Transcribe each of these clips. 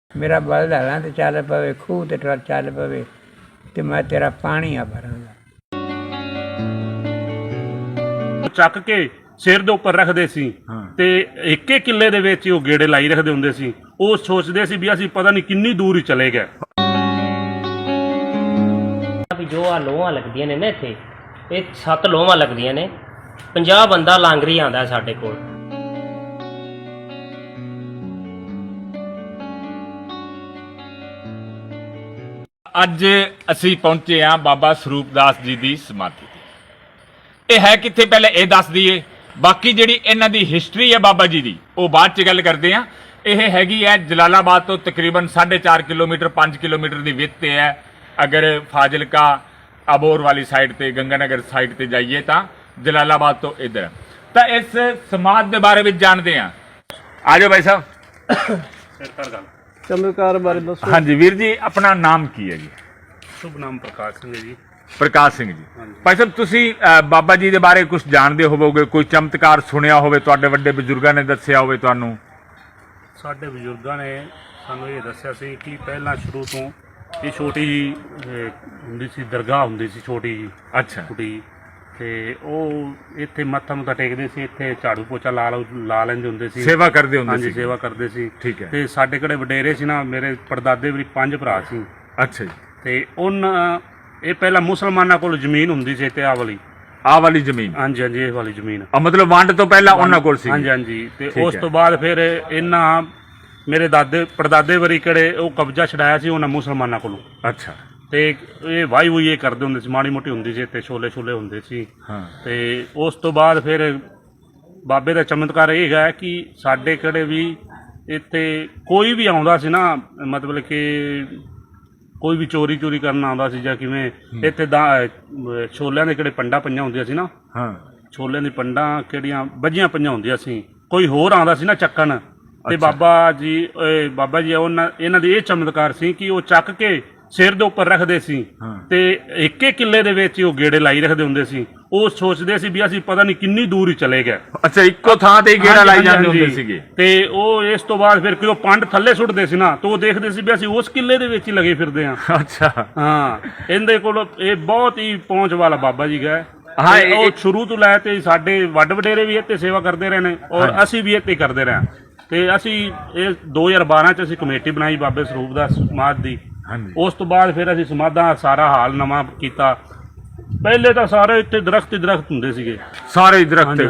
मेरा बल हलां ते चल पवे, खूह ते चल पवे ते मैं तेरा पानी आ भरांगा। ਚੱਕ ਕੇ ਸਿਰ ਦੇ ਉੱਪਰ ਰੱਖਦੇ ਸੀ ਤੇ ਇੱਕ ਇੱਕ ਕਿੱਲੇ ਦੇ ਵਿੱਚ ਉਹ ਗੇੜੇ ਲਾਈ ਰੱਖਦੇ ਹੁੰਦੇ ਸੀ। ਉਹ ਸੋਚਦੇ ਸੀ ਵੀ ਅਸੀਂ ਪਤਾ ਨਹੀਂ ਕਿੰਨੀ ਦੂਰ ਹੀ ਚਲੇ ਗਏ। ਵੀ ਜੋ ਆ ਲੋਹਾਂ ਲੱਗਦੀਆਂ ਨੇ ਨਾ ਇੱਥੇ, ਇਹ 7 ਲੋਹਾਂ ਲੱਗਦੀਆਂ ਨੇ, 50 ਬੰਦਾ ਲਾਂਗਰੀ ਆਉਂਦਾ ਸਾਡੇ ਕੋਲ। ਅੱਜ ਅਸੀਂ ਪਹੁੰਚੇ ਹਾਂ ਬਾਬਾ ਸਰੂਪ ਦਾਸ ਜੀ ਦੀ ਸਮਾਧੀ ਤੇ। ਇਹ ਹੈ ਕਿੱਥੇ ਪਹਿਲੇ ਇਹ ਦੱਸ ਦਈਏ, ਬਾਕੀ ਜਿਹੜੀ ਇਹਨਾਂ ਦੀ ਹਿਸਟਰੀ ਹੈ ਬਾਬਾ ਜੀ ਦੀ ਉਹ ਬਾਅਦ ਚ ਗੱਲ ਕਰਦੇ ਹਾਂ। ਇਹ ਹੈਗੀ ਹੈ ਜਲਾਲਾਬਾਦ ਤੋਂ ਤਕਰੀਬਨ 4.5 ਕਿਲੋਮੀਟਰ 5 ਕਿਲੋਮੀਟਰ ਦੀ ਵਿੱਥ ਤੇ ਹੈ। ਅਗਰ ਫਾਜ਼ਿਲਕਾ ਅਬੋਰ ਵਾਲੀ ਸਾਈਡ ਤੇ ਗੰਗਾਨਗਰ ਸਾਈਡ ਤੇ ਜਾਈਏ ਤਾਂ ਜਲਾਲਾਬਾਦ ਤੋਂ ਇੱਧਰ। ਤਾਂ ਇਸ ਸਮਾਧ ਦੇ ਬਾਰੇ ਵਿੱਚ ਜਾਣਦੇ ਹਾਂ। ਆ ਜਾਓ ਭਾਈ ਸਾਹਿਬ। ਚਮਤਕਾਰ ਬਾਰੇ ਦੱਸੋ। ਹਾਂਜੀ ਵੀਰ ਜੀ, ਆਪਣਾ ਨਾਮ ਕੀ ਹੈ ਜੀ? ਸ਼ੁਭ ਨਾਮ ਪ੍ਰਕਾਸ਼ ਸਿੰਘ ਹੈ ਜੀ। ਪ੍ਰਕਾਸ਼ ਸਿੰਘ ਜੀ। ਭਾਈ ਸਾਹਿਬ, ਤੁਸੀਂ ਬਾਬਾ ਜੀ ਦੇ ਬਾਰੇ ਕੁਝ ਜਾਣਦੇ ਹੋਵੋਗੇ, ਕੋਈ ਚਮਤਕਾਰ ਸੁਣਿਆ ਹੋਵੇ, ਤੁਹਾਡੇ ਵੱਡੇ ਬਜ਼ੁਰਗਾਂ ਨੇ ਦੱਸਿਆ ਹੋਵੇ ਤੁਹਾਨੂੰ? ਸਾਡੇ ਬਜ਼ੁਰਗਾਂ ਨੇ ਸਾਨੂੰ ਇਹ ਦੱਸਿਆ ਸੀ ਕਿ ਪਹਿਲਾਂ ਸ਼ੁਰੂ ਤੋਂ ਇਹ ਛੋਟੀ ਹੁੰਦੀ ਸੀ, ਦਰਗਾਹ ਹੁੰਦੀ ਸੀ ਛੋਟੀ ਜੀ। ਅੱਛਾ। ਕੁਟੀ ਤੇ ਉਹ ਇੱਥੇ ਮੱਥਾ ਮੁੱਥਾ ਟੇਕਦੇ ਸੀ, ਇੱਥੇ ਝਾੜੂ ਪੋਚਾ ਲਾ ਲੈਂਦੇ ਹੁੰਦੇ ਸੀ, ਸੇਵਾ ਕਰਦੇ ਹੁੰਦੇ ਹਾਂਜੀ ਸੀ। ਸੇਵਾ ਕਰਦੇ ਸੀ। ਠੀਕ ਹੈ। ਤੇ ਸਾਡੇ ਕੋਲੇ ਵਡੇਰੇ ਸੀ ਨਾ, ਮੇਰੇ ਪੜਦਾਦੇ ਵੀ 5 ਭਰਾ ਸੀ। ਅੱਛਾ ਜੀ। ਤੇ ਇਹ ਪਹਿਲਾਂ ਮੁਸਲਮਾਨਾਂ ਕੋਲ ਜ਼ਮੀਨ ਹੁੰਦੀ ਸੀ ਤੇ ਆਹ ਵਾਲੀ ਜ਼ਮੀਨ। ਹਾਂਜੀ ਹਾਂਜੀ, ਇਹ ਵਾਲੀ ਜ਼ਮੀਨ ਮਤਲਬ ਵੰਡ ਤੋਂ ਪਹਿਲਾਂ ਉਹਨਾਂ ਕੋਲ ਸੀ। ਹਾਂਜੀ ਹਾਂਜੀ। ਤੇ ਉਸ ਤੋਂ ਬਾਅਦ ਫਿਰ ਇਹਨਾਂ ਮੇਰੇ ਪੜਦਾਦੇ ਵਰੀ ਕਿਹੜੇ ਉਹ ਕਬਜ਼ਾ ਛਡਾਇਆ ਸੀ ਉਹਨਾਂ ਮੁਸਲਮਾਨਾਂ ਕੋਲੋਂ। ਅੱਛਾ। ਤੇ ਇਹ ਵਾਈ ਵੂਈ ਇਹ ਕਰਦੇ ਹੁੰਦੇ ਸੀ, ਮਾੜੀ ਮੋਟੀ ਹੁੰਦੀ ਸੀ ਤੇ ਛੋਲੇ ਹੁੰਦੇ ਸੀ। ਹਾਂ। ਤੇ ਉਸ ਤੋਂ ਬਾਅਦ ਫਿਰ ਬਾਬੇ ਦਾ ਚਮਤਕਾਰ ਇਹ ਹੈ ਕਿ ਸਾਡੇ ਕਿਹੜੇ ਵੀ ਇੱਥੇ ਕੋਈ ਵੀ ਆਉਂਦਾ ਸੀ ਨਾ, ਮਤਲਬ ਕਿ ਕੋਈ ਵੀ ਚੋਰੀ ਕਰਨ ਆਉਂਦਾ ਸੀ ਜਾਂ ਕਿਵੇਂ, ਇੱਥੇ ਛੋਲਿਆਂ ਦੇ ਕਿਹੜੇ ਪੰਡਾਂ ਪਈਆਂ ਹੁੰਦੀਆਂ ਸੀ ਨਾ। ਹਾਂ। ਛੋਲਿਆਂ ਦੀ ਪੰਡਾਂ ਕਿਹੜੀਆਂ ਵੱਜੀਆਂ ਪਈਆਂ ਹੁੰਦੀਆਂ ਸੀ, ਕੋਈ ਹੋਰ ਆਉਂਦਾ ਸੀ ਨਾ ਚੱਕਣ ਤੇ ਬਾਬਾ ਜੀ ਇਹਨਾਂ ਦੀ ਇਹ ਚਮਤਕਾਰ ਸੀ ਕਿ ਉਹ ਚੱਕ ਕੇ ਸਿਰ ਦੇ ਉੱਪਰ ਰੱਖਦੇ ਸੀ ਤੇ ਇੱਕ ਇੱਕ ਕਿੱਲੇ ਦੇ ਵਿੱਚ ਉਹ ਗੇੜੇ ਲਾਈ ਰੱਖਦੇ ਹੁੰਦੇ ਸੀ। ਉਹ ਸੋਚਦੇ ਸੀ ਵੀ ਅਸੀਂ ਪਤਾ ਨਹੀਂ ਕਿੰਨੀ ਦੂਰ ਹੀ ਚਲੇ ਗਏ। ਅੱਛਾ, ਇੱਕੋ ਥਾਂ ਤੇ ਗੇੜਾ ਲਾਈ ਜਾਂਦੇ ਹੁੰਦੇ ਸੀਗੇ। ਤੇ ਉਹ ਇਸ ਤੋਂ ਬਾਅਦ ਫਿਰ ਉਹ ਪੰਡ ਥੱਲੇ ਸੁੱਟਦੇ ਸੀ ਨਾ, ਤਾਂ ਉਹ ਦੇਖਦੇ ਸੀ ਵੀ ਅਸੀਂ ਉਸ ਕਿੱਲੇ ਦੇ ਵਿੱਚ ਹੀ ਲੱਗੇ ਫਿਰਦੇ ਹਾਂ। ਅੱਛਾ। ਹਾਂ, ਇਹਦੇ ਕੋਲ ਇਹ ਬਹੁਤ ਹੀ ਪਹੁੰਚ ਵਾਲਾ ਬਾਬਾ ਜੀ ਗਏ। ਹਾਂ, ਉਹ ਸ਼ੁਰੂ ਤੋਂ ਲੈ ਤੇ ਸਾਡੇ ਵੱਡ ਵਡੇਰੇ ਵੀ ਇੱਥੇ ਸੇਵਾ ਕਰਦੇ ਰਹੇ ਨੇ ਔਰ ਅਸੀਂ ਵੀ ਇੱਥੇ ਕਰਦੇ ਰਹੇ। ਤੇ ਅਸੀਂ ਇਹ 2012 ਚ ਅਸੀਂ ਕਮੇਟੀ ਬਣਾਈ ਬਾਬੇ ਸਰੂਪ ਦਾਸ ਸਮਾਧ ਦੀ। ਉਸ ਤੋਂ ਬਾਅਦ ਫਿਰ ਅਸੀਂ ਸਮਾਧਾਂ ਸਾਰਾ ਹਾਲ ਨਵਾਂ ਕੀਤਾ। ਪਹਿਲੇ ਤਾਂ ਸਾਰੇ ਇੱਥੇ ਦਰਖਤ ਹੁੰਦੇ ਸੀਗੇ, ਸਾਰੇ ਦਰਖਤ।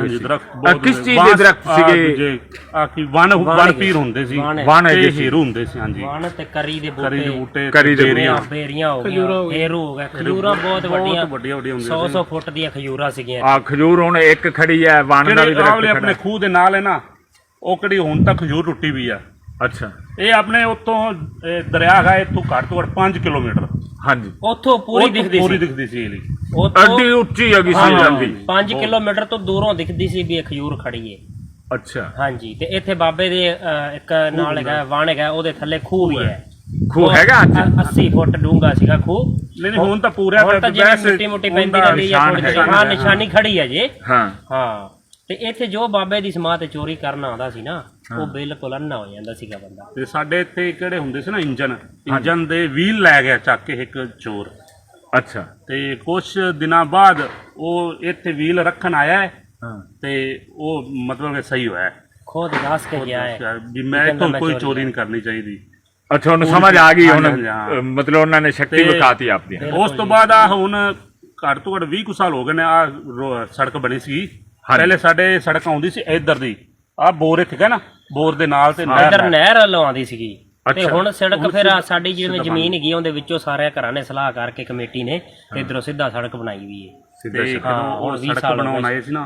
ਕਿਸ ਚੀਜ਼ ਦੇ ਦਰਖਤ ਸੀਗੇ? ਆਕੀ ਵਨ ਪੀਰ ਹੁੰਦੇ ਸੀ, ਵਨ ਤੇ ਹੀਰੂ ਹੁੰਦੇ ਸੀ। ਹਾਂਜੀ, ਵਣ ਤੇ ਕਰੀ ਦੇ ਬੂਟੇ, ਬੇਰੀਆਂ ਹੋ ਗਈਆਂ, ਹੀਰੂ ਹੋ ਗਿਆ, ਖਜੂਰਾਂ ਬਹੁਤ ਵੱਡੀਆਂ ਹੁੰਦੀਆਂ 100 ਫੁੱਟ ਦੀਆਂ ਖਜੂਰਾਂ ਸੀਗੀਆਂ। ਆ ਖਜੂਰ ਹੁਣ ਇੱਕ ਖੜੀ ਹੈ, ਵਨ ਦਾ ਵੀ ਦਰਖਤ ਆਪਣੇ ਖੂਹ ਦੇ ਨਾਲ ਹੈ ਨਾ, ਉਹ ਕਿਹੜੀ ਹੁਣ ਤੱਕ ਖਜੂਰ ਟੁੱਟੀ ਵੀ ਆ। ਅੱਛਾ। ਇਹ ਆਪਣੇ ਉੱਤੋਂ ਦਰਿਆ ਹੈ, ਇੱਥੋਂ ਘੱਟ ਤੋਂ ਘੱਟ 5 ਕਿਲੋਮੀਟਰ। ਹਾਂਜੀ। ਉੱਥੋਂ ਪੂਰੀ ਦਿਖਦੀ ਸੀ ਅੱਡੀ ਉੱਚੀ ਹੈਗੀ ਸੀ ਜਾਂਦੀ। 5 ਕਿਲੋਮੀਟਰ ਤੋਂ ਦੂਰੋਂ ਦਿਖਦੀ ਸੀ ਵੀ ਇਹ ਖਜੂਰ ਖੜੀ ਏ। ਅੱਛਾ। ਹਾਂਜੀ। ਤੇ ਇੱਥੇ ਬਾਬੇ ਦੇ ਇੱਕ ਨਾਲ ਹੈਗਾ ਵਣ ਹੈਗਾ, ਉਹਦੇ ਥੱਲੇ ਖੂਹ ਵੀ ਹੈ। ਖੂਹ ਹੈਗਾ 80 ਫੁੱਟ ਡੂੰਘਾ ਸੀਗਾ ਖੂਹ। ਨਹੀਂ ਹੁਣ ਤਾਂ ਪੂਰਾ ਮਿੱਟੀ ਮੁੱਟੀ ਪੈਂਦੀ ਰਹਿੰਦੀ ਹੈ, ਨਿਸ਼ਾਨੀ ਖੜੀ ਹੈ ਜੀ। ਹਾਂ। ਤੇ ਇੱਥੇ ਜੋ ਬਾਬੇ ਦੀ ਸਮਾਧ ਤੇ ਚੋਰੀ ਕਰਨ ਆਉਂਦਾ ਸੀ ਨਾ, ਉਹ ਬਿਲਕੁਲ ਅੰਨਾ ਹੋ ਜਾਂਦਾ ਸੀਗਾ ਬੰਦਾ। ਤੇ ਸਾਡੇ ਇੱਥੇ ਕਿਹੜੇ ਹੁੰਦੇ ਸੀ ਨਾ ਇੰਜਨ ਦੇ ਵੀਲ ਲੈ ਗਿਆ ਚੱਕ ਕੇ ਇੱਕ ਚੋਰ। ਅੱਛਾ। ਤੇ ਕੁਛ ਦਿਨਾਂ ਬਾਅਦ ਉਹ ਇੱਥੇ ਵੀਲ ਰੱਖਣ ਆਇਆ ਤੇ ਉਹ ਮਤਲਬ ਕਿ ਸਹੀ ਹੋਇਆ, ਖੁਦ ਦੱਸ ਕੇ ਗਿਆ ਹੈ ਵੀ ਮੈਂ ਇੱਥੋਂ ਕੋਈ ਚੋਰੀ ਨਹੀਂ ਕਰਨੀ ਚਾਹੀਦੀ। ਅੱਛਾ, ਉਹਨੂੰ ਸਮਝ ਆ ਗਈ ਹੁਣ, ਮਤਲਬ ਉਹਨਾਂ ਨੇ ਸ਼ਕਤੀ ਵਿਖਾਤੀ ਆਪਦੀ। ਉਸ ਤੋਂ ਬਾਅਦ ਆ ਹੁਣ ਘੱਟ ਤੋਂ ਘੱਟ 20 ਕੁ ਸਾਲ ਹੋ ਗਏ ਨੇ, ਆ ਸੜਕ ਬਣੀ ਸੀ। ਪਹਿਲੇ ਸਾਡੇ ਸੜਕ ਆਉਂਦੀ ਸੀ ਇੱਧਰ ਦੀ, ਆ ਬੋਰ ਇੱਥੇ ਨਾ, ਬੋਰ ਦੇ ਨਾਲ ਤੇ ਨਹਿਰ ਵੱਲੋਂ ਆਉਂਦੀ ਸੀਗੀ। ਤੇ ਹੁਣ ਸੜਕ ਫਿਰ ਸਾਡੀ ਜਿਵੇਂ ਜ਼ਮੀਨ ਹੈਗੀ ਉਹਦੇ ਵਿੱਚੋਂ ਸਾਰੇ ਘਰਾਂ ਨੇ ਸਲਾਹ ਕਰਕੇ ਕਮੇਟੀ ਨੇ ਤੇ ਇਧਰੋਂ ਸਿੱਧਾ ਸੜਕ ਬਣਾਈ ਵੀ ਹੈ। ਉਹ ਸੜਕ ਬਣਾਉਣ ਆਏ ਸੀ ਨਾ,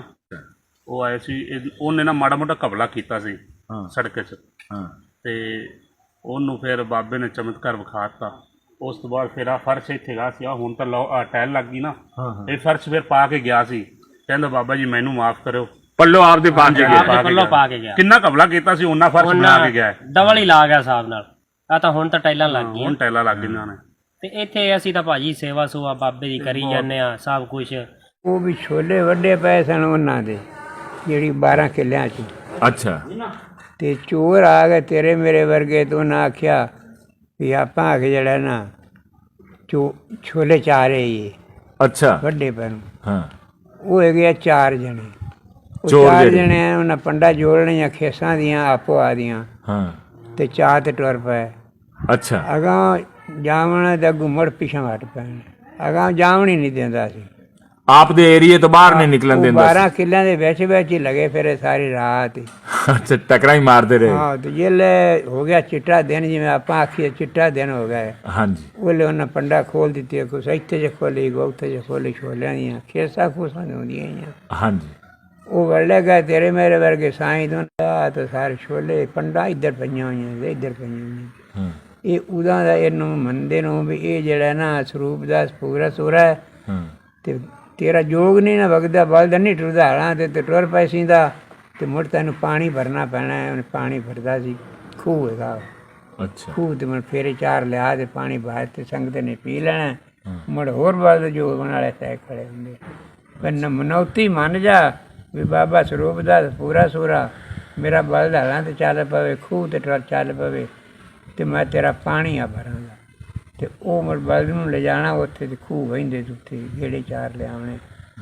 ਉਹ ਆਏ ਸੀ, ਉਹਨੇ ਨਾ ਮਾੜਾ ਮੋਟਾ ਕਬਲਾ ਕੀਤਾ ਸੀ ਸੜਕ 'ਚ। ਤੇ ਉਹਨੂੰ ਫਿਰ ਬਾਬੇ ਨੇ ਚਮਤਕਾਰ ਵਿਖਾਤਾ। ਉਸ ਤੋਂ ਬਾਅਦ ਫਿਰ ਆ ਫਰਸ਼ ਇੱਥੇ ਗਾ ਸੀ, ਹੁਣ ਤਾਂ ਟਾਇਲ ਲੱਗ ਗਈ ਨਾ, ਇਹ ਫਰਸ਼ ਫਿਰ ਪਾ ਕੇ ਗਿਆ ਸੀ। ਕਹਿੰਦਾ ਬਾਬਾ ਜੀ ਮੈਨੂੰ ਮਾਫ ਕਰਿਓ, ਪੱਲੋ ਆਪਦੇ ਪਾ ਕੇ ਗਿਆ। ਕਿੰਨਾ ਕਬਲਾ ਕੀਤਾ ਸੀ, ਉਹਨਾਂ ਫਰਸ਼ ਬਣਾ ਕੇ ਗਿਆ, ਡਬਲ ਹੀ ਲਾ ਗਿਆ ਹਿਸਾਬ ਨਾਲ। ਆ ਤਾਂ ਹੁਣ ਤਾਂ ਟਾਈਲਾਂ ਲੱਗ ਗਈਆਂ, ਹੁਣ ਟਾਈਲਾਂ ਲੱਗ ਗਈਆਂ ਨੇ। ਤੇ ਇੱਥੇ ਅਸੀਂ ਤਾਂ ਭਾਜੀ ਸੇਵਾ ਸੁਵਾ ਬਾਬੇ ਦੀ ਕਰੀ ਜਾਂਦੇ ਆ ਸਭ ਕੁਝ। ਉਹ ਵੀ ਛੋਲੇ ਵੱਡੇ ਪਏ ਸਨ ਉਹਨਾਂ ਦੇ, ਜਿਹੜੀ 12 ਕਿੱਲਿਆਂ 'ਚ। ਅੱਛਾ। ਤੇ ਚੋਰ ਆ ਗਏ ਤੇਰੇ ਮੇਰੇ ਵਰਗੇ, ਤੇ ਉਹਨਾਂ ਆਖਿਆ ਵੀ ਆਪਾਂ ਆ ਕੇ ਜਿਹੜਾ ਨਾ ਛੋਲੇ ਚਾਰੇ ਹੀ ਅੱਛਾ ਵੱਡੇ ਪੈ ਨੂੰ ਹਾਂ ਉਹ ਹੈਗੇ ਆ 4 ਜਣੇ। ਉਹ ਚੋਰ 4 ਜਿਹੜੇ। ਜਣੇ ਆ, ਉਹਨਾਂ ਪੰਡਾ ਜੋੜਨੀਆਂ ਖੇਸਾਂ ਦੀਆਂ ਆਪੋ ਆ ਦੀਆਂ ਹਾਂ ਤੇ ਚਾਹ ਤੇ ਟੁਰ ਪਏ। ਅੱਛਾ ਅਗਾਂਹ ਜਾਵਣ ਦਾ ਗੁੰਮੜ ਪਿਛਾਂ ਹਟ ਪੈਣ। ਅਗਾਂਹ ਜਾਵਣ ਹੀ ਨਹੀਂ ਦਿੰਦਾ ਸੀ। ਆਪ ਦੇ ਏਰੀਏ ਤੋਂ ਬਾਹਰ ਨਹੀਂ ਨਿਕਲਣ ਉਹ ਦਿੰਦਾ 12 ਕਿੱਲਿਆਂ ਦੇ ਵਿੱਚ ਹੀ ਲਗੇ ਫਿਰੇ ਸਾਰੀ ਰਾਤ ਹੀ। ਅੱਛਾ ਟਕਰਾ ਹੀ ਮਾਰਦੇ ਰਹੇ। ਹਾਂ ਤੇ ਜਿਲੇ ਹੋ ਗਿਆ ਚਿੱਟਾ ਦਿਨ, ਜਿਵੇਂ ਆਪਾਂ ਆਖੀਏ ਚਿੱਟਾ ਦਿਨ ਹੋ ਗਿਆ, ਹਾਂਜੀ ਉਹਲੇ ਉਹਨਾਂ ਪੰਡਾ ਖੋਲ ਦਿੱਤੀ। ਕੁਛ ਇੱਥੇ ਜੇ ਖੋਲੀ, ਉੱਥੇ ਜੇ ਖੋਲੀ, ਛੋਲਿਆਂ ਦੀਆਂ ਖੇਸਾਂ ਖੂਸਾਂ ਹੁੰਦੀਆਂ ਹੀ। ਹਾਂਜੀ ਉਹ ਵੜਲੇ ਗਏ ਤੇਰੇ ਮੇਰੇ ਵਰਗੇ ਸਾਈਂ ਤੋਂ ਤਾਂ ਸਾਰੇ ਛੋਲੇ ਪੰਡਾ ਇੱਧਰ ਪਈਆਂ ਹੋਈਆਂ ਤੇ ਇੱਧਰ ਪਈਆਂ ਹੋਈਆਂ। ਹਾਂ ਇਹ ਉਦਾਂ ਦਾ ਇਹਨੂੰ ਮੰਨਦੇ ਨੂੰ ਵੀ ਇਹ ਜਿਹੜਾ ਨਾ ਸਰੂਪ ਦਾ ਪੂਰਾ ਸੂਰਾ ਹੈ ਹਾਂ ਤੇ ਤੇਰਾ ਜੋਗ ਨਹੀਂ ਨਾ ਵਗਦਾ, ਬਲਦ ਨਹੀਂ ਟੁਰਦਾ ਹਲਾਂ ਤੇ ਟੁਰ ਪੈ ਸੀਂਦਾ ਤੇ ਮੁੜ ਤੈਨੂੰ ਪਾਣੀ ਭਰਨਾ ਪੈਣਾ ਹੈ। ਉਹਨੇ ਪਾਣੀ ਭਰਦਾ ਸੀ, ਖੂਹ ਹੈਗਾ ਅੱਛਾ ਖੂਹ ਤੇ ਮੈਂ ਫੇਰੇ 4 ਲਿਆ ਤੇ ਪਾਣੀ ਬਾਹਰ ਤੇ ਸੰਗਤ ਨੇ ਪੀ ਲੈਣਾ। ਮੁੜ ਹੋਰ ਬਲਦ ਜੋਗ ਬਣ ਵਾਲੇ ਤੈ ਖੜੇ ਹੁੰਦੇ। ਪਰ ਮਨੌਤੀ ਮੰਨ ਜਾ ਵੀ ਬਾਬਾ ਸਰੂਪ ਦਾ ਪੂਰਾ ਸੂਰਾ, ਮੇਰਾ ਬਲਦ ਹਲਾਂ ਤੇ ਚੱਲ ਪਵੇ, ਖੂਹ ਤੇ ਟੁਰ ਚੱਲ ਪਵੇ ਤੇ ਮੈਂ ਤੇਰਾ ਪਾਣੀ ਆ ਭਰਾਂਗਾ। ਤੇ ਉਹ ਮੁੜ ਬਲਦ ਨੂੰ ਲਿਜਾਣਾ ਉੱਥੇ ਤੇ ਖੂਹ ਵਹਿੰਦੇ ਤੇ ਉੱਥੇ ਗੇੜੇ 4 ਲਿਆਉਣੇ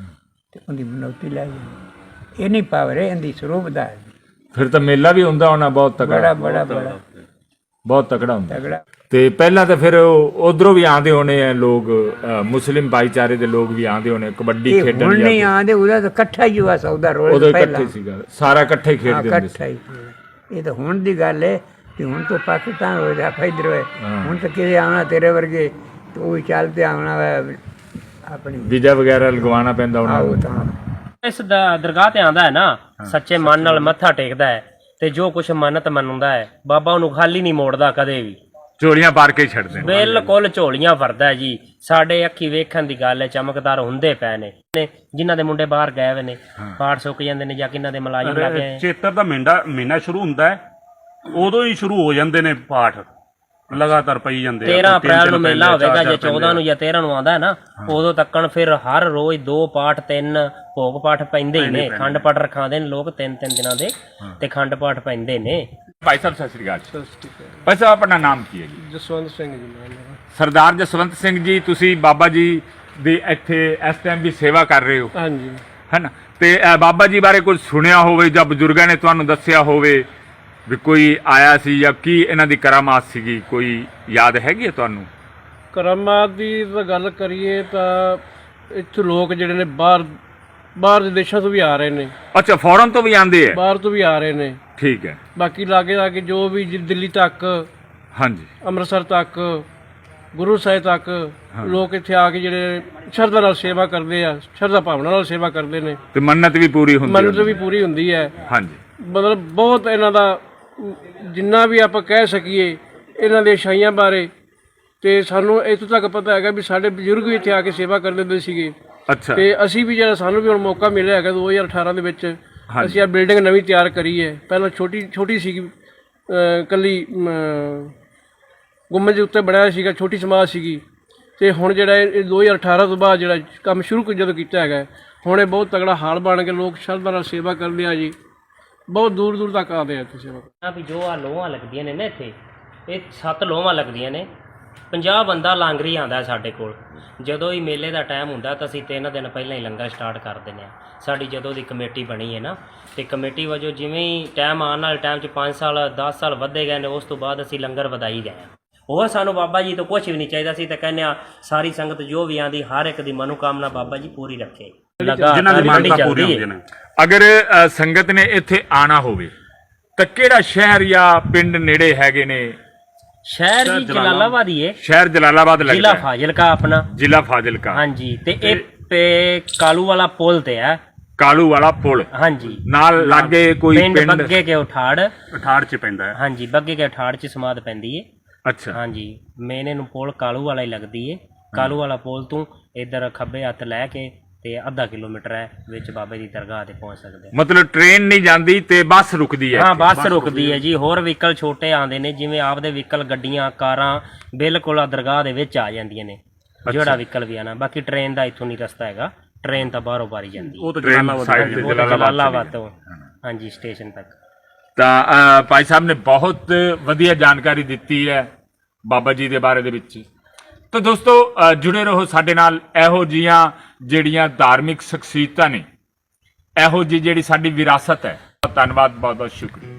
ਤੇ ਉਹਦੀ ਮਨੌਤੀ ਲੈ ਜਾਣੀ। ਇਹ ਨਹੀਂ ਪਾਵਰ ਇਹਦੀ ਸਰੂਪ ਦਾ ਹੈ। ਫਿਰ ਤਾਂ ਮੇਲਾ ਵੀ ਹੁੰਦਾ ਹੋਣਾ ਬਹੁਤ ਬੜਾ ਤਕੜਾ, ਬੜਾ ਬੜਾ ਬਹੁਤ ਤਕੜਾ ਹੁੰਦਾ। ਤਗੜਾ। ਤੇ ਪਹਿਲਾਂ ਤਾਂ ਫਿਰ ਉਧਰੋਂ ਵੀ ਆਉਂਦੇ ਹੋਣੇ ਆ ਲੋਕ, ਮੁਸਲਿਮ ਭਾਈਚਾਰੇ ਦੇ ਲੋਕ ਵੀ ਆਉਂਦੇ ਹੋਣੇ ਕਬੱਡੀ ਇਹ ਖੇਡਣ ਹੁਣ ਜਾਂ ਨਹੀਂ ਆਉਂਦੇ, ਉਹਦਾ ਤਾਂ ਇਕੱਠਾ ਹੀ ਹੋਇਆ ਸੌਦਾ ਰੋਜ਼ ਉਦੋਂ ਪਹਿਲਾਂ। ਇਕੱਠੇ ਸੀਗਾ, ਸਾਰਾ ਇਕੱਠੇ ਖੇਡਦੇ ਹੁੰਦੇ ਸੀ। ਇਕੱਠਾ ਹੀ ਸੀ। ਇਹ ਤਾਂ ਹੁਣ ਦੀ ਗੱਲ ਹੈ ਕਿ ਹੁਣ ਤਾਂ ਪਾਕਿਸਤਾਨ ਹੋ ਜਾ ਫੈਦਰ ਹੋਏ। ਹੁਣ ਤਾਂ ਕਿਤੇ ਆਉਣਾ ਤੇਰੇ ਵਰਗੇ ਤੇ ਉਹ ਵੀ ਚੱਲ ਤੇ ਆਉਣਾ ਵਾ ਆਪਣੀ ਵੀਜ਼ਾ ਵਗੈਰਾ ਲਗਵਾਉਣਾ ਪੈਂਦਾ ਉਹਨਾਂ ਆਓ ਨੂੰ। ਤਾਂ ਇਸ ਦਾ ਦਰਗਾਹ ਤੇ ਆਂਦਾ ਹੈ ਨਾ, ਸੱਚੇ ਮਨ ਨਾਲ ਮੱਥਾ ਟੇਕਦਾ ਹੈ ਤੇ ਜੋ ਕੁਛ ਮੰਨਤ ਮੰਨਦਾ ਹੈ ਬਾਬਾ ਉਹਨੂੰ ਖਾਲੀ ਨਹੀਂ ਮੋੜਦਾ ਕਦੇ ਵੀ। ਝੋਲੀਆਂ ਪਾਰ ਕੇ ਹੀ ਛੱਡਦੇ ਨੇ। ਬਿਲਕੁਲ ਝੋਲੀਆਂ ਭਰਦਾ ਹੈ ਜੀ। ਸਾਡੇ ਅੱਖੀ ਵੇਖਣ ਦੀ ਗੱਲ ਹੈ, ਚਮਕਦਾਰ ਹੁੰਦੇ ਪਏ ਨੇ ਜਿਨ੍ਹਾਂ ਦੇ ਮੁੰਡੇ ਬਾਹਰ ਗਏ ਹੋਏ ਨੇ, ਪਾਠ ਸੁੱਕ ਜਾਂਦੇ ਨੇ ਜਾਂ ਕਿਨਾਂ ਦੇ ਮੁਲਾਜ਼ਮ ਲੱਗੇ। ਚੇਤਰ ਦਾ ਮਹੀਨਾ ਸ਼ੁਰੂ ਹੁੰਦਾ ਹੈ, ਉਦੋਂ ਹੀ ਸ਼ੁਰੂ ਹੋ ਜਾਂਦੇ ਨੇ ਪਾਠ, ਲਗਾਤਾਰ ਪਈ ਜਾਂਦੇ 13 ਅਪ੍ਰੈਲ ਨੂੰ ਮੇਲਾ ਹੋਵੇਗਾ ਜਾਂ 14 ਨੂੰ ਜਾਂ 13 ਨੂੰ ਆਉਂਦਾ ਹੈ ਨਾ, ਉਦੋਂ ਤੱਕਣ ਫਿਰ ਹਰ ਰੋਜ਼ 2 ਪਾਠ 3 ਭੋਗ ਪਾਠ ਪੈਂਦੇ ਹੀ ਨੇ। ਖੰਡ ਪਾਠ ਰਖਾਉਂਦੇ ਨੇ ਲੋਕ 3-3 ਦਿਨਾਂ ਦੇ ਤੇ ਖੰਡ ਪਾਠ ਪੈਂਦੇ ਨੇ। ਭਾਈ ਸਾਹਿਬ ਸਤਿ ਸ੍ਰੀ ਅਕਾਲ। ਭਾਈ ਸਾਹਿਬ ਆਪਣਾ ਨਾਮ ਕੀ ਹੈ ਜੀ? ਜਸਵੰਤ ਸਿੰਘ ਜੀ ਮੇਰਾ। ਸਰਦਾਰ ਜਸਵੰਤ ਸਿੰਘ ਜੀ, ਤੁਸੀਂ ਬਾਬਾ ਜੀ ਦੀ ਇੱਥੇ ਇਸ ਟਾਈਮ ਵੀ ਸੇਵਾ ਕਰ ਰਹੇ ਹੋ, ਹਾਂਜੀ ਹੈਨਾ? ਤੇ ਬਾਬਾ ਜੀ ਬਾਰੇ ਕੁਝ ਸੁਣਿਆ ਹੋਵੇ ਜਾਂ ਬਜ਼ੁਰਗਾਂ ਨੇ ਤੁਹਾਨੂੰ ਦੱਸਿਆ ਹੋਵੇ ਵੀ ਕੋਈ ਆਇਆ ਸੀ ਜਾਂ ਕੀ ਇਹਨਾਂ ਦੀ ਕਰਾਮਾਤ ਸੀਗੀ, ਕੋਈ ਯਾਦ ਹੈਗੀ ਹੈ ਤੁਹਾਨੂੰ? ਕਰਾਮਾਤ ਦੀ ਤਾਂ ਗੱਲ ਕਰੀਏ ਤਾਂ ਇੱਥੇ ਲੋਕ ਜਿਹੜੇ ਨੇ ਬਾਹਰ ਦੇ ਦੇਸ਼ਾਂ ਤੋਂ ਵੀ ਆ ਰਹੇ ਨੇ, ਅੱਛਾ ਫੌਰਨ ਤੋਂ ਵੀ ਆਉਂਦੇ ਆ? ਬਾਹਰ ਤੋਂ ਵੀ ਆ ਰਹੇ ਨੇ। ਠੀਕ ਹੈ। ਬਾਕੀ ਲਾਗੇ ਜੋ ਵੀ ਦਿੱਲੀ ਤੱਕ, ਹਾਂਜੀ ਅੰਮ੍ਰਿਤਸਰ ਤੱਕ, ਗੁਰੂ ਸਾਹਿਬ ਤੱਕ ਲੋਕ ਇੱਥੇ ਆ ਕੇ ਜਿਹੜੇ ਸ਼ਰਧਾ ਨਾਲ ਸੇਵਾ ਕਰਦੇ ਆ, ਸ਼ਰਧਾ ਭਾਵਨਾ ਨਾਲ ਸੇਵਾ ਕਰਦੇ ਨੇ ਤੇ ਮੰਨਤ ਵੀ ਪੂਰੀ ਹੁੰਦੀ ਮੰਨਤ ਵੀ ਪੂਰੀ ਹੁੰਦੀ ਹੈ। ਹਾਂਜੀ ਮਤਲਬ ਬਹੁਤ ਇਹਨਾਂ ਦਾ ਜਿੰਨਾ ਵੀ ਆਪਾਂ ਕਹਿ ਸਕੀਏ ਇਹਨਾਂ ਦੇ ਸ਼ਾਈਆਂ ਬਾਰੇ, ਤੇ ਸਾਨੂੰ ਇੱਥੋਂ ਤੱਕ ਪਤਾ ਹੈਗਾ ਵੀ ਸਾਡੇ ਬਜ਼ੁਰਗ ਵੀ ਇੱਥੇ ਆ ਕੇ ਸੇਵਾ ਕਰਦੇ ਹੁੰਦੇ ਸੀਗੇ। ਅੱਛਾ ਤੇ ਅਸੀਂ ਵੀ ਜਿਹੜਾ ਸਾਨੂੰ ਵੀ ਹੁਣ ਮੌਕਾ ਮਿਲਿਆ ਹੈਗਾ 2018 ਦੇ ਵਿੱਚ, ਅਸੀਂ ਆ ਬਿਲਡਿੰਗ ਨਵੀਂ ਤਿਆਰ ਕਰੀ ਹੈ। ਪਹਿਲਾਂ ਛੋਟੀ ਸੀਗੀ, ਕੱਲੀ ਗੁੰਮਜ ਦੇ ਉੱਤੇ ਬਣਾਇਆ ਸੀਗਾ, ਛੋਟੀ ਸਮਾਜ ਸੀਗੀ। ਤੇ ਹੁਣ ਜਿਹੜਾ ਇਹ 2018 ਤੋਂ ਬਾਅਦ ਜਿਹੜਾ ਕੰਮ ਸ਼ੁਰੂ ਜਦੋਂ ਕੀਤਾ ਹੈਗਾ, ਹੁਣ ਇਹ ਬਹੁਤ ਤਗੜਾ ਹਾਲ ਬਣ ਕੇ ਲੋਕ ਸ਼ਰਧਾ ਨਾਲ ਸੇਵਾ ਕਰਦੇ ਆ ਜੀ। ਬਹੁਤ ਦੂਰ ਦੂਰ ਤੱਕ ਆਉਂਦੇ ਆ ਇੱਥੇ ਸੇਵਾ। ਵੀ ਜੋ ਆ ਲੋਹਾਂ ਲੱਗਦੀਆਂ ਨੇ ਨਾ ਇੱਥੇ, ਇਹ 7 ਲੋਹਾਂ ਲੱਗਦੀਆਂ ਨੇ। 50 ਬੰਦਾ ਲਾਂਗਰੀ ਆਉਂਦਾ ਸਾਡੇ ਕੋਲ। ਜਦੋਂ ਹੀ ਮੇਲੇ ਦਾ ਟਾਈਮ ਹੁੰਦਾ ਤਾਂ ਅਸੀਂ 3 ਦਿਨ ਪਹਿਲਾਂ ਹੀ ਲੰਗਰ ਸਟਾਰਟ ਕਰ ਦਿੰਦੇ ਹਾਂ। ਸਾਡੀ ਜਦੋਂ ਦੀ ਕਮੇਟੀ ਬਣੀ ਹੈ ਨਾ, ਤੇ ਕਮੇਟੀ ਵਜੋਂ ਜਿਵੇਂ ਹੀ ਟਾਈਮ ਆਉਣ ਵਾਲੇ ਟਾਈਮ 'ਚ 5 ਸਾਲ 10 ਸਾਲ ਵੱਧੇ ਗਏ ਨੇ, ਉਸ ਤੋਂ ਬਾਅਦ ਅਸੀਂ ਲੰਗਰ ਵਧਾਈ ਗਏ ਹਾਂ। ਹੋਰ ਸਾਨੂੰ ਬਾਬਾ ਜੀ ਤੋਂ ਕੁਝ ਵੀ ਨਹੀਂ ਚਾਹੀਦਾ ਸੀ, ਤੇ ਕਹਿੰਦੇ ਆ ਸਾਰੀ ਸੰਗਤ ਜੋ ਵੀ ਆਂਦੀ ਹਰ ਇੱਕ ਦੀ ਮਨੋਕਾਮਨਾ ਬਾਬਾ ਜੀ ਪੂਰੀ ਰੱਖੇ। ਜਿਨ੍ਹਾਂ ਦੀ ਮੰਨਤਾਂ ਪੂਰੀਆਂ ਹੁੰਦੀਆਂ ਨੇ। ਅਗਰ ਸੰਗਤ ਨੇ ਇੱਥੇ ਆਣਾ ਹੋਵੇ ਤਾਂ ਕਿਹੜਾ ਸ਼ਹਿਰ ਜਾਂ ਪਿੰਡ ਨੇੜੇ ਹੈਗੇ ਨੇ? ਸ਼ਹਿਰ ਜੀ ਜਲਾਲਾਬਾਦ ਹੀ ਹੈ। ਸ਼ਹਿਰ ਜਲਾਲਾਬਾਦ ਲੱਗਦਾ ਜ਼ਿਲ੍ਹਾ ਹੈ। ਫਾਜ਼ਿਲਕਾ ਆਪਣਾ। ਜ਼ਿਲ੍ਹਾ ਫਾਜ਼ਿਲਕਾ। ਹਾਂਜੀ। ਤੇ ਇਹ ਕਾਲੂ ਵਾਲਾ ਪੁਲ ਤੇ ਹੈ। ਕਾਲੂ ਵਾਲਾ ਪੁਲ। ਹਾਂਜੀ। ਨਾਲ ਲਾਗੇ ਕੋਈ ਪਿੰਡ ਪਿੰਡ? ਬੱਗੇ ਕੇ ਉਠਾੜ। ਉਠਾੜ 'ਚ ਪੈਂਦਾ ਹੈ। ਹਾਂਜੀ, ਬੱਗੇ ਕੇ ਉਠਾੜ 'ਚ ਸਮਾਧ ਪੈਂਦੀ ਹੈ। ਅੱਛਾ। ਹਾਂਜੀ, ਮੇਨ ਇਹਨੂੰ ਪੁਲ ਕਾਲੂ ਵਾਲਾ ਹੀ ਲੱਗਦੀ ਹੈ। ਕਾਲੂ ਵਾਲਾ ਪੁਲ ਤੋਂ ਇੱਧਰ ਖੱਬੇ ਹੱਥ ਲੈ ਕੇ ਤੇ ਅੱਧਾ ਕਿਲੋਮੀਟਰ ਹੈ, ਵਿੱਚ ਬਾਬੇ ਦੀ ਦਰਗਾਹ ਤੇ ਪਹੁੰਚ ਸਕਦੇ। ਮਤਲਬ ਟ੍ਰੇਨ ਨਹੀਂ ਜਾਂਦੀ ਤੇ ਬੱਸ ਰੁਕਦੀ ਹੈ? ਹਾਂ, ਬੱਸ ਰੁਕਦੀ ਹੈ ਜੀ। ਹੋਰ ਵਹੀਕਲ ਛੋਟੇ ਆਉਂਦੇ ਨੇ, ਜਿਵੇਂ ਆਪਦੇ ਵਹੀਕਲ ਗੱਡੀਆਂ ਕਾਰਾਂ ਬਿਲਕੁਲ ਦਰਗਾਹ ਦੇ ਵਿੱਚ ਆ ਜਾਂਦੀਆਂ ਨੇ, ਜਿਹੜਾ ਵਹੀਕਲ ਵੀ ਆਣਾ। ਬਾਕੀ ਟ੍ਰੇਨ ਦਾ ਇੱਥੋਂ ਨਹੀਂ ਰਸਤਾ ਹੈਗਾ, ਟ੍ਰੇਨ ਤਾਂ ਬਾਹਰੋਂ ਬਾਰੀ ਜਾਂਦੀ ਹੈ। ਉਹ ਤਾਂ ਜਲਾਲਾਬਾਦ ਤੋਂ ਹਾਂਜੀ ਸਟੇਸ਼ਨ ਤੱਕ। ਤਾਂ ਭਾਈ ਸਾਹਿਬ ਨੇ ਬਹੁਤ ਵਧੀਆ ਜਾਣਕਾਰੀ ਦਿੱਤੀ ਹੈ ਬਾਬਾ ਜੀ ਦੇ ਬਾਰੇ ਦੇ ਵਿੱਚ। ਤਾਂ ਦੋਸਤੋ ਜੁੜੇ ਰਹੋ ਸਾਡੇ ਨਾਲ। ਇਹੋ ਜਿਹੀਆਂ ਜਿਹੜੀਆਂ ਧਾਰਮਿਕ ਸ਼ਖਸੀਅਤਾਂ ਨੇ, ਇਹੋ ਜਿਹੀ ਜਿਹੜੀ ਸਾਡੀ ਵਿਰਾਸਤ ਹੈ। ਧੰਨਵਾਦ, ਬਹੁਤ ਬਹੁਤ ਸ਼ੁਕਰੀਆ।